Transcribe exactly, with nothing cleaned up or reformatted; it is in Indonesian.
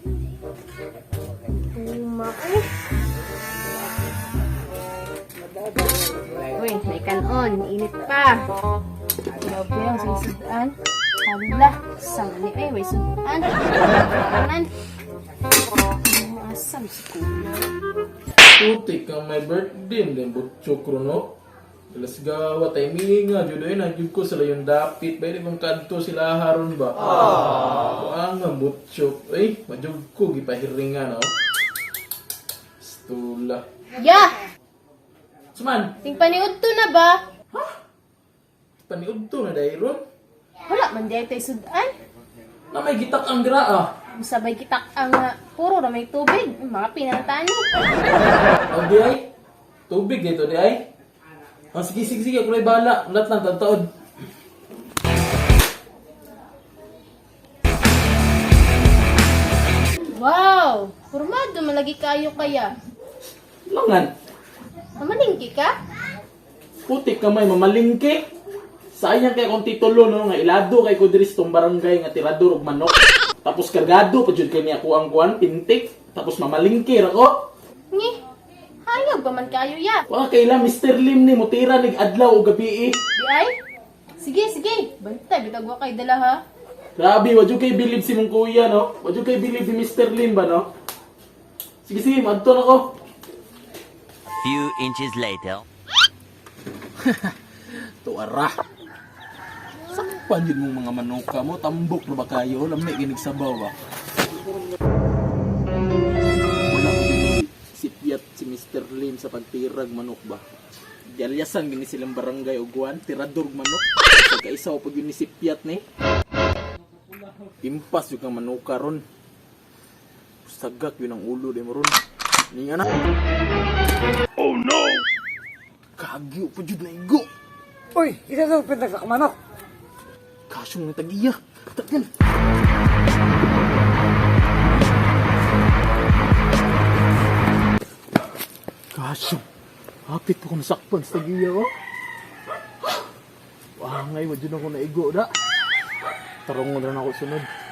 Uma eh. Uy, may kanon. Init pa. Grabe ang sisudan. Hala, sangani eh. May sudan. Kanan. Asam si kuya. Putik ang may birthday. Then butchok no. Alas gawa tayo minga. Judoy na jud ko sila yung dapit. Pwede kong kanto sila haron ba? Ang ang butchok. Eh, majug ko. Gipahiringan no. Stula. Ya! Suman, Ting paniud to na ba? paniud to na dahil ron. Wala man di tayo sudan. Na may gitak ang gra ah. Sabay kita ang uh, puro na may tubig. Mga pinantani. Ang di ay. Tubig dito di ay. Ang sige sige sige. Ako na bala. Lahat lang tagtaod. Wow! Formado malagi kayo kaya. Langan. Mamalingki ka? Putik ka may mamalingki. Sayang kay kung titulo no nga ilado kay ko diri sa tong barangay nga tirador og manok. Tapos kargado pa jud kay niya ko ang kuan pintik. Tapos mamalingki ra ko. Ngi. Hayag ba man kayo ya? Wa kay la Mister Lim ni mutira nig adlaw o gabi. Di ay? Sige, sige. Bantay, bitag wa kay dala ha. Grabe, wa jud kay believe si mong kuya no. Wa jud kay believe ni Mister Lim ba no. Sige sige, madto na ko. Few inches later. Tuara. Sakpan yun mong mga manuka mo. Tambok na ba kayo? Lamay ginig sabaw ba? Wala ko din si Piat, si Mister Lim sa pagtirag manok ba? Dialyasan gini silang barangay uguan. Tirador manok. Pagkaisaw pag yun ni si Piat ni. Impas yung kang manuka ron. Sagak yun ang ulo di mo ron. Ninga na. Oh no! Kagyo pa jud na igo. Uy, isa sa pinag sa kamanok. Kasyong ng tagiya. Tagal. Kasyong. Hapit po ko nasakpan sa tagiya, oh. Wangay, wadyo na ko naigo, da. Tarong mo na ako sunod.